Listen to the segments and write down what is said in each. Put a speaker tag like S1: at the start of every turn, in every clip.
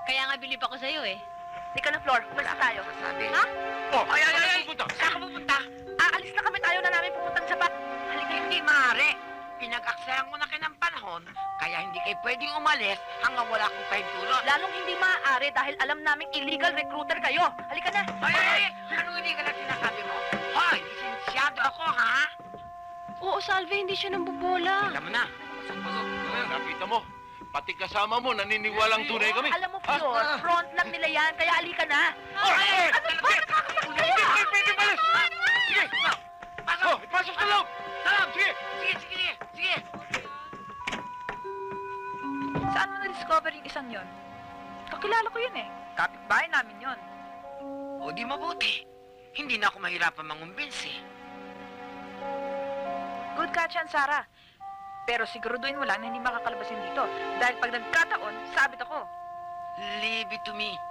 S1: Kaya nga bilib ako sa'yo eh.
S2: Ika na, Flor. Umalis tayo.
S3: Sabi.
S2: Ha?
S3: Oh, ay, pupunta.
S2: Saan ka pupunta? Aalis na kami, tayo na namin pumuntang Japan.
S3: Halika, hindi maaari. Pinag-aksayan ko na kayo ng panahon, kaya hindi kayo pwedeng umalis hanggang wala akong pahintulot.
S2: Lalong hindi maaari dahil alam naming illegal recruiter kayo. Halika na.
S3: Ay! Anong hindi ka na sinasabi mo? Hoy, lisensyado ako, ha?
S1: Oo, Salve, hindi siya nambubola.
S3: Alam mo na. Pasok-pasok.
S4: Nakita mo, pati kasama mo, naniniwalang tunay kami.
S2: Alam mo, Flor, front lang nila yan, kaya halika na.
S3: Ay!
S2: Ano ba? Nakakasakaya!
S4: Hindi pwede malis!
S3: Sige! Pasok!
S4: Oh, ipasok sa loob!
S3: Salam! Sige! Sige!
S2: Saan mo na-discover yung isang yon? Kakilala ko yun eh. Kapitbahay namin yon.
S3: O di mabuti. Hindi na ako mahirapan mangumbinsi.
S2: Good catch yan, Sarah. Pero siguraduhin mo lang na hindi makakalabasin dito. Dahil pag nagkataon, sabit ako.
S3: Leave it to me.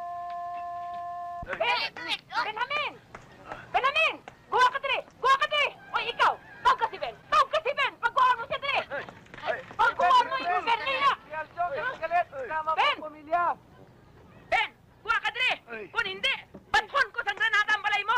S2: Benjamin! Benjamin! Guha ka dire! Guha ka dire! Oy, ikaw! Tawag ka si Ben! Tawag ka si Ben! Pagkuhaan mo siya dire! Pagkuhaan mo yung Bernina! Ben! Ben! Guha ka dire! Kung hindi, batkon ko sa granata ang balay mo!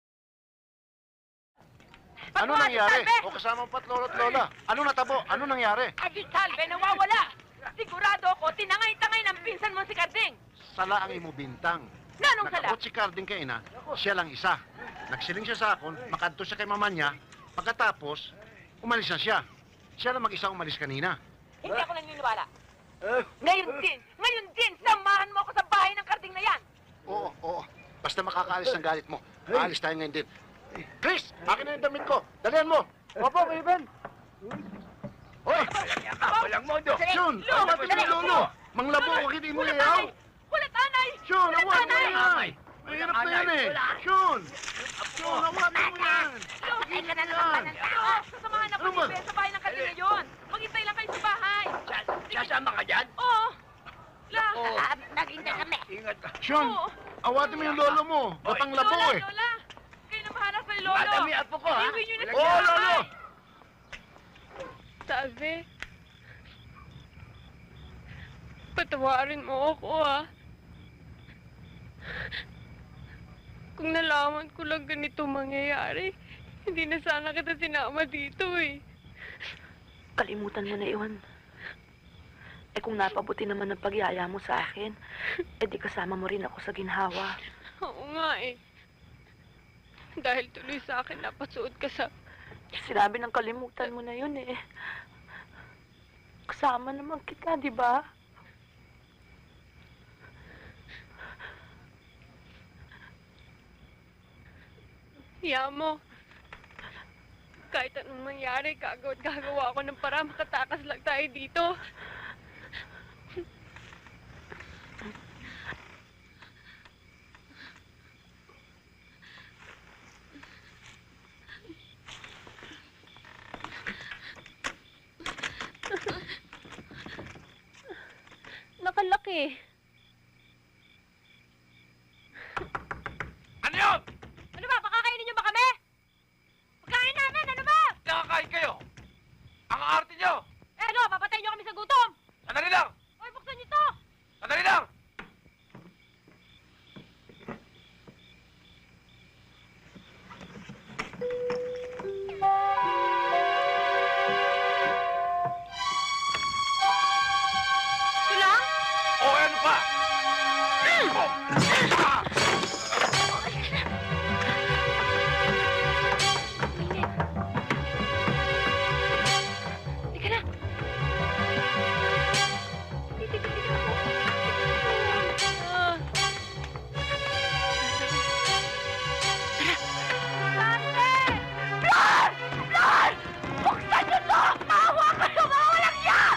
S5: Ano nangyari? O kasama mo pa't lolo't lola? Ano natabo? Ano nangyari?
S2: Adi Salve, nawawala! Sigurado ako, tinangay-tangay ng pinsan mo si Karding!
S5: Sala ang imo bintang.
S2: Nanong sala?
S5: Nakabot si Carding kay ina, siya lang isa. Nagsiling siya sa akon, makadto siya kay mama niya. Pagkatapos, umalis na siya. Siya lang mag-isa umalis kanina.
S2: Hindi ako naniniwala. Ngayon din, samahan mo ako sa bahay ng Karding na yan!
S5: Oo. Basta makakaalis ng galit mo. Aalis tayo ngayon din. Chris, akin na yung damit ko. Dalihan mo. Opo, Kuya Ben. Hoy!
S3: Walang modo.
S5: Shun! Awat mo yung lolo! Manglabo ko, hindi mo yayaw!
S2: Wala tanay!
S5: Shun!
S2: Wala
S5: Awat mo
S2: tanay!
S5: yan! Mahirap na yan eh! Shun! Shun! Awat mo yan!
S2: Ay, ka na naman ng tao! Sasamahan ako
S5: Ano ba?
S2: ni Ben sa bahay ng Karding ngayon! Maghintay lang kayo sa bahay!
S3: Sasama ka dyan?
S2: Oo! La!
S3: Naghintay kami. Ingat ka.
S5: Shun!
S2: Oo.
S5: Awatin mo yung lolo mo! Batang labo
S2: Lola,
S5: eh!
S2: Lola! Kayo na mahanap kay Lolo!
S3: Madami apo ko, ha?
S2: Iuwi nyo na
S5: Oo, lolo!
S1: Salve, patawarin mo ako ah. Kung nalaman ko lang ganito mangyayari, hindi na sana kita sinama dito eh.
S6: Kalimutan mo na iwan. Eh kung napabuti naman ang pagyaya mo sa akin, eh di kasama mo rin ako sa ginhawa.
S1: Oo nga eh. Dahil tuloy sa akin napasuot ka sa...
S6: Sinabi ng kalimutan mo na yun eh. Kasama naman kita, di ba?
S1: Hiya mo. Kahit anong mangyari, gagawa ako ng para makatakas lang tayo dito. Nakalaki.
S4: Ano yun?
S2: Ano ba? Pakakainin nyo ba kami? Pagkain namin! Ano ba?
S4: Nakakain kayo! Ang arte nyo!
S2: Eh ano? Papatay nyo kami sa gutom!
S4: Sandali lang!
S2: Hoy, buksan nyo to!
S4: Sandali lang!
S2: Sila?
S4: O ano pa?
S2: Teka na!
S1: Ah.
S2: Buksan nyo to! Maawa kayo! Mawalang yan!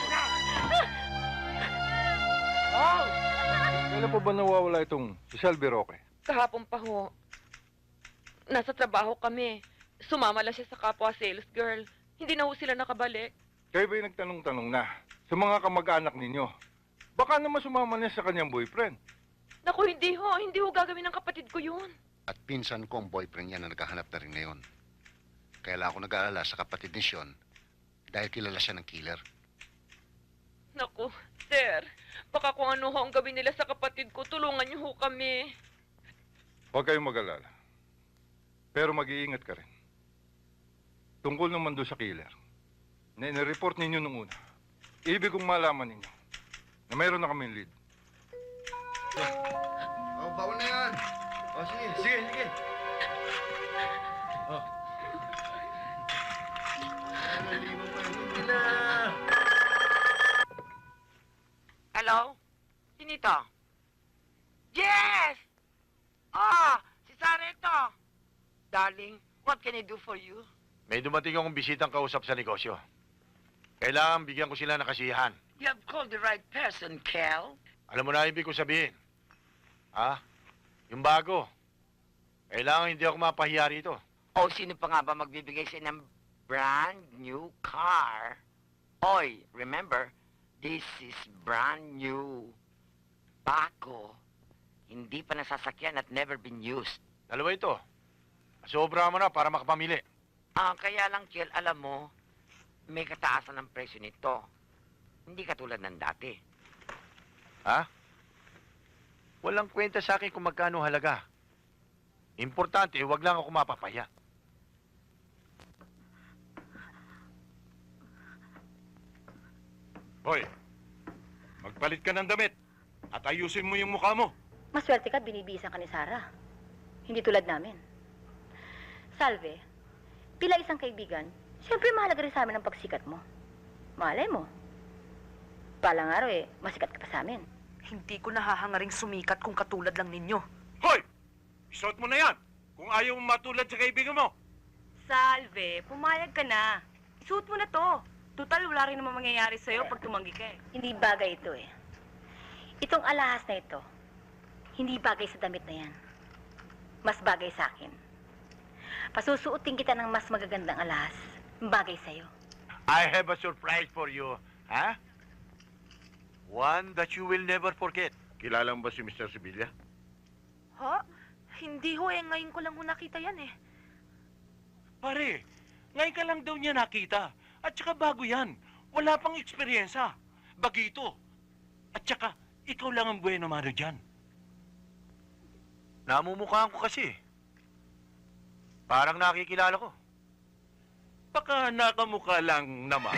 S7: Kailan po ba nawawala itong si Shelby Roque?
S8: Kahapon pa ho. Nasa trabaho kami. Sumama lang siya sa kapwa sales girl. Hindi na ho sila nakabalik.
S7: Kayo ba'y nagtanong-tanong na sa mga kamag-anak ninyo? Baka naman sumama na sa kanyang boyfriend.
S8: Naku, hindi ho. Hindi ho gagawin ng kapatid ko yun.
S5: At pinsan ko ang boyfriend niya na naghahanap na rin ngayon. Kaya lang ako nag-aalala sa kapatid ni Sean dahil kilala siya ng killer.
S8: Naku, sir. Baka kung ano ho ang gawin nila sa kapatid ko, tulungan niyo ho kami.
S7: Huwag kayong mag-alala. Pero mag-iingat ka rin. Tungkol naman doon sa killer, na inireport ninyo nung una, ibig kong malaman ninyo na mayroon na kaming lead.
S5: Oh, bawal na yan. Oh, sige, sige, sige. Oh. Naliman pa rin nila.
S3: Hello? Sino ito? Yes! Si Sarah ito. Darling, what can I do for you?
S5: May dumating akong bisitang kausap sa negosyo. Kailangan bigyan ko sila ng kasiyahan.
S3: You have called the right person, Kel.
S5: Alam mo na ibig ko sabihin. Yung bago. Kailangan hindi ako mapahiya rito.
S3: O, sino pa nga ba magbibigay sa'yo ng brand new car? Oy, remember, this is brand new. Bago. Hindi pa nasasakyan at never been used.
S5: Dalawa ito. Sobra mo na para makapamili.
S3: Kaya lang, Kel, alam mo, may kataasan ng presyo nito. Hindi katulad ng dati.
S5: Walang kwenta sa akin kung magkano halaga. Importante, wag lang ako mapapaya.
S4: Hoy, magpalit ka ng damit at ayusin mo yung mukha mo.
S2: Maswerte ka at binibisan ka ni Sarah. Hindi tulad namin. Salve, pila isang kaibigan, siyempre mahalaga rin sa amin ang pagsikat mo. Malay mo. Palang araw masikat ka pa sa amin.
S6: Hindi ko nahahangaring sumikat kung katulad lang ninyo.
S4: Hoy! Isuot mo na yan kung ayaw mo matulad sa kaibigan mo.
S2: Salve, pumayag ka na. Isuot mo na to. Total, wala rin naman mangyayari sa'yo pag tumanggi ka Hindi bagay ito Itong alahas na ito, hindi bagay sa damit na yan. Mas bagay sa akin. Pasusuotin kita ng mas magagandang alahas. Bagay sa'yo.
S5: I have a surprise for you. One that you will never forget. Kilala mo ba si Mr. Sevilla?
S6: Ha? Hindi ho ngayon ko lang ho nakita yan
S4: Pare, ngayon ka lang daw niya nakita. At saka bago yan. Wala pang eksperyensya. Bagito. At saka, ikaw lang ang bueno mano dyan.
S5: Namumukhaan ko kasi. Parang nakikilala ko.
S4: Baka nakamukha lang naman.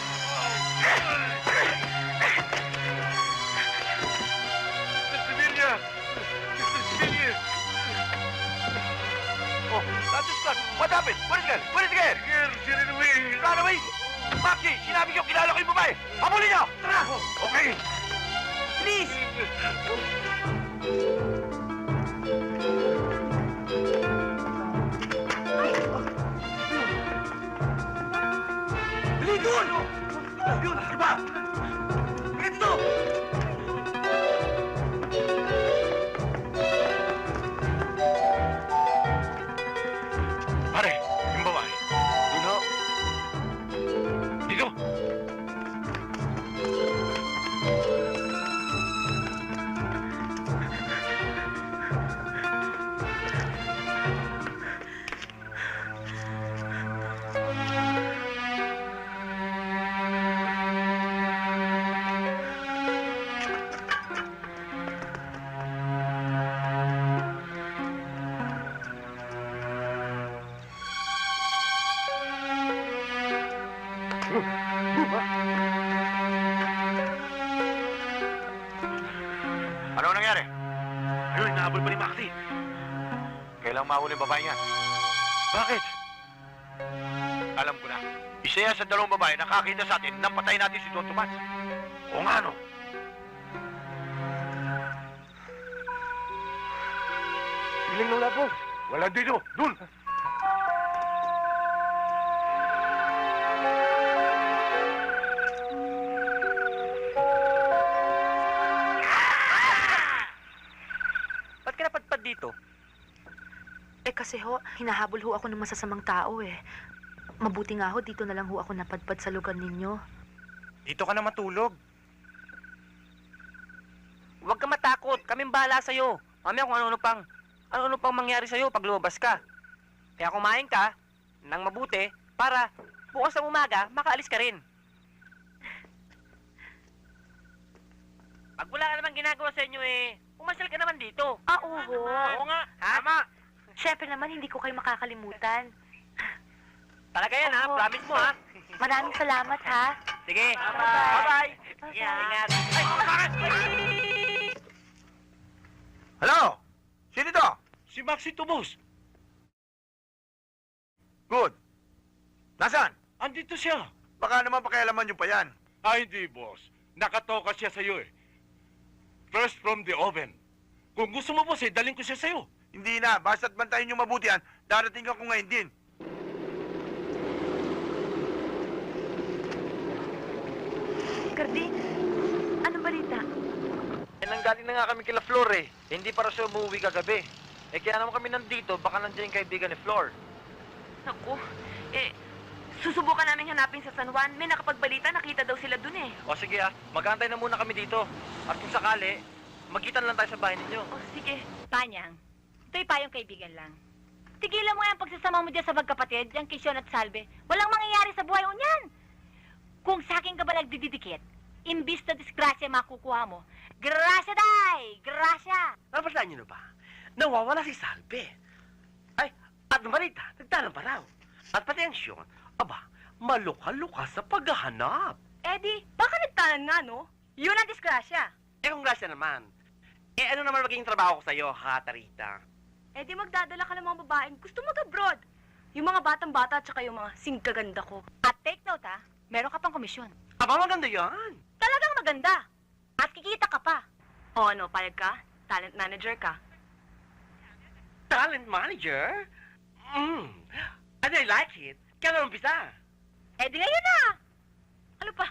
S5: Mr. Sevilla! Mr. Sevilla! Oh, that is God. What happened? What is it? What is it? Girl, she ran away. Ran away? Maki, sinabi ko kilala ko yung babae. Habulin niyo! Tara! Okay. Please! Dali doon! Yun, iba! Ganito!
S4: Pare, yung babae.
S5: Yun ho.
S4: Dito.
S5: Ano nangyari? Ayun, nahabol pa ni Maxi. Kailang mahuli yung babae niya. Bakit? Alam ko na. Isa yan sa dalawang babae nakakita sa atin nang patay natin si Don Tomas. O nga, no? Siling nung labo. Wala dito. Dun!
S6: Ba't ka napadpad dito? Kasi ho, hinahabol ho ako ng masasamang tao Mabuti nga ho, dito na lang ho ako napadpad sa lugar ninyo.
S9: Dito ka na matulog. Huwag ka matakot. Kaming bahala sa'yo. Mamaya kung ano-ano pang mangyari sa'yo pag lumabas ka. Kaya kumain ka ng mabuti para bukas ng umaga, makaalis ka rin. Pag wala ka naman ginagawa sa inyo eh. Umasal ka naman dito.
S6: Oo.
S9: Oo nga. Tama.
S6: Siyempre naman, hindi ko kayo makakalimutan.
S9: Talaga yan ha.
S6: Oo.
S9: Promise mo ha.
S6: Maraming salamat, ha?
S9: Sige.
S6: Bye-bye.
S9: Bye-bye.
S6: Bye-bye.
S9: Ingat. Ay, bakit?
S5: Hello? Sino to?
S4: Si Maxi Tubos.
S5: Good. Nasaan?
S4: Andito siya.
S5: Baka naman pakialaman nyo pa yan.
S4: Ay, hindi, boss. Nakatoka siya sa'yo eh. Fresh from the oven. Kung gusto mo, boss, eh, daling ko siya sa'yo.
S5: Hindi na. Basta't bantayin nyo mabuti yan. Darating ako ngayon din.
S6: Cardi, anong balita?
S9: Eh, nanggaling na nga kami kila Flor eh. Hindi para siya umuwi kagabi. Eh, kaya naman kami nandito, baka nandiyan yung kaibigan ni Flor.
S8: Naku, susubukan namin hanapin sa San Juan. May nakapagbalita, nakita daw sila dun eh.
S9: O sige magantay na muna kami dito. At kung sakali, magkita lang tayo sa bahay ninyo.
S8: O sige.
S2: Panyang, ito'y payong kaibigan lang. Tigilan mo yung pagsasama mo dyan sa magkapatid, yung Kisyon at Salve. Walang mangyayari sa buhay mo niyan. Kung sa akin ka ba nagdididikit, imbis na disgrasya makukuha mo, grasya day! Grasya!
S9: Napasaan niyo na ba? Nawawala si Salve. Ay, at balita, nagtanong pa raw. At pati ang Sean, aba, malukha-lukha sa paghahanap.
S2: Eddie, baka nagtanan nga, no? Yun ang disgrasya.
S9: Eh kung grasya naman, eh ano naman magiging trabaho ko sa'yo, ha, Tarita?
S2: Eddie, magdadala ka ng mga babaeng gusto mag-abroad. Yung mga batang-bata at saka yung mga singkaganda ko. At take note, ha? Meron ka pang komisyon.
S9: Aba, maganda yan.
S2: Talagang maganda. At kikita ka pa. O ano, payag ka? Talent manager ka.
S9: Talent manager? And I like it. Kailan umpisa?
S2: Eh di ngayon na! Ano pa?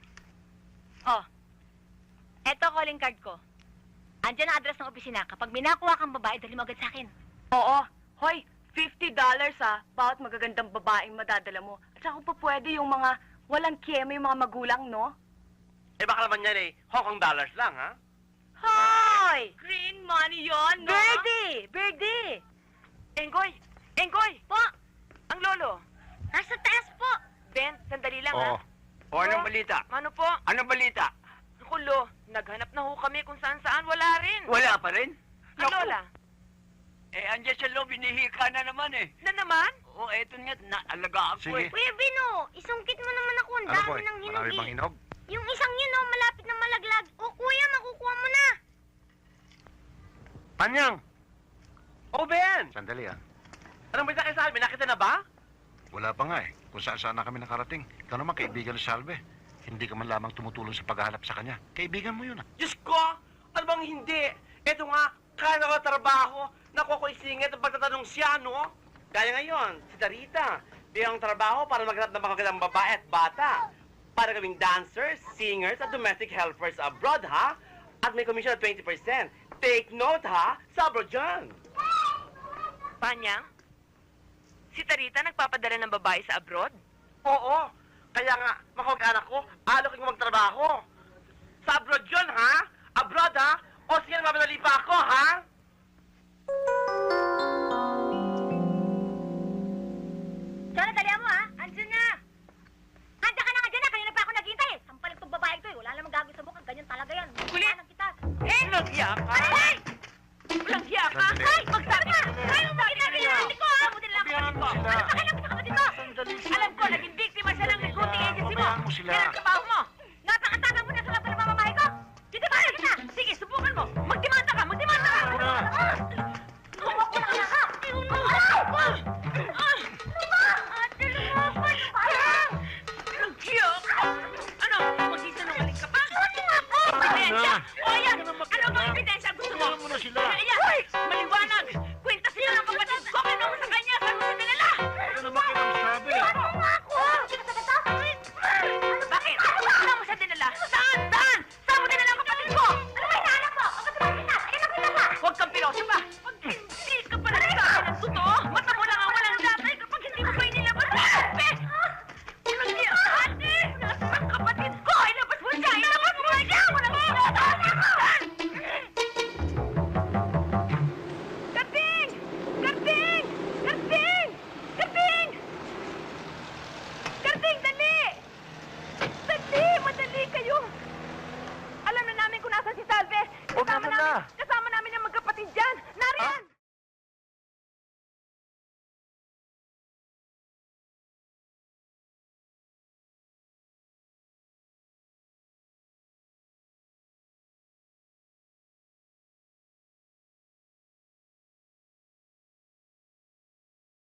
S2: Oh, eto calling card ko. Andiyan ang address ng opisina. Kapag may nakuha kang babae, dali mo agad sa akin. Oo. Hoy, $50 ha. Bawat magagandang babaeng madadala mo. At saka kung pa pwede yung mga walang kiyema yung mga magulang, no?
S9: Eh baka naman yan eh, Hong Kong dollars lang, ha?
S2: Hoy! Green money yon, no? Birdie!
S8: Enggoy! Enggoy!
S2: Po!
S8: Ang lolo!
S2: Nasa taas po!
S8: Ben, sandali lang
S5: Oo.
S8: ha.
S3: O, anong balita?
S8: Ano po?
S3: Anong balita?
S8: Naku, lo, naghanap na ho kami kung saan-saan. Wala rin.
S3: Wala pa rin?
S8: Ang lola.
S3: Eh, andyan sa loob, hinihika na naman eh.
S8: Na naman?
S3: O, eto nga, naalagaan ko
S5: Sige.
S3: eh.
S2: Kuya Bino, isungkit mo naman ako. Ang
S5: Ano
S2: dami
S5: po
S2: ng hinog
S5: Marami bang hinog?
S2: Yung isang yun, oh, malapit na malaglag. O kuya, makukuha mo na.
S9: Panyang! Oh, Ben!
S5: Sandali ah.
S9: Anong balita kay Salve? Nakita na ba?
S5: Wala pa nga eh. Kung saan na kami nakarating. Ikaw naman kaibigan ni Salve. Hindi ka man lamang tumutulong sa paghahanap sa kanya. Kaibigan mo yun ah.
S9: Diyos ko! Ano bang hindi? Ito nga, kaya ko trabaho. Nakuha ko isingit ang pagtatanong siya, no? Kaya ngayon, si Tarita, bigyan ang trabaho para maghanap ng magagandang babae at bata. Para gawing dancers, singers, at domestic helpers abroad, ha? At may commission of 20%. Take note, ha? Sa abroad dyan.
S8: Panyang? Si Tarita nagpapadala ng babae sa abroad?
S9: Oo. Kaya nga, makapag-anak ko, alok yung magtrabaho. Sa abroad yun, ha? Abroad, ha? O sige, mamadali pa ako, ha?
S2: Jonah, dalihan mo, ha? Andiyan na. Andiyan ka na nga dyan, ha? Kanina pa ako naghihintay, eh. Sampalik tong babae ito, eh. Wala namang gagawin sa mukha. Ganyan talaga yan.
S8: Kulit!
S2: Anong kita?
S8: Walang hiya ka?
S2: Ay!
S8: Walang hiya ka?
S5: Sandali.
S2: Ay! Magsabi ka! Ay, umakit na rin ko, ha? Buti lang
S5: Bigyan
S2: kapatid
S5: mo
S2: ko.
S5: sila.
S2: Ano pa kailangan sa kapatid ko?
S5: Sandali sila.
S8: Alam ko, naging biktima siya ng recruiting agency mo.
S5: Pabayaan mo sila.
S8: Yan ang trabaho mo.
S2: Napakatapang mo na sa laban ng mamamahay ko. Dito ba? Kita!
S8: Sige, subukan mo. Magdemanda ka, magdemanda ka.
S2: Huwag ko na ka! Ate, lumaban ka!
S8: Walang hiya ka. Ano, magsisinungaling ka pa?
S2: Ate nga po!
S8: Ebidensya? O yan, ano bang ebidensya gusto mo?
S5: Pabayaan mo na sila.
S8: Ayan, maliwanag.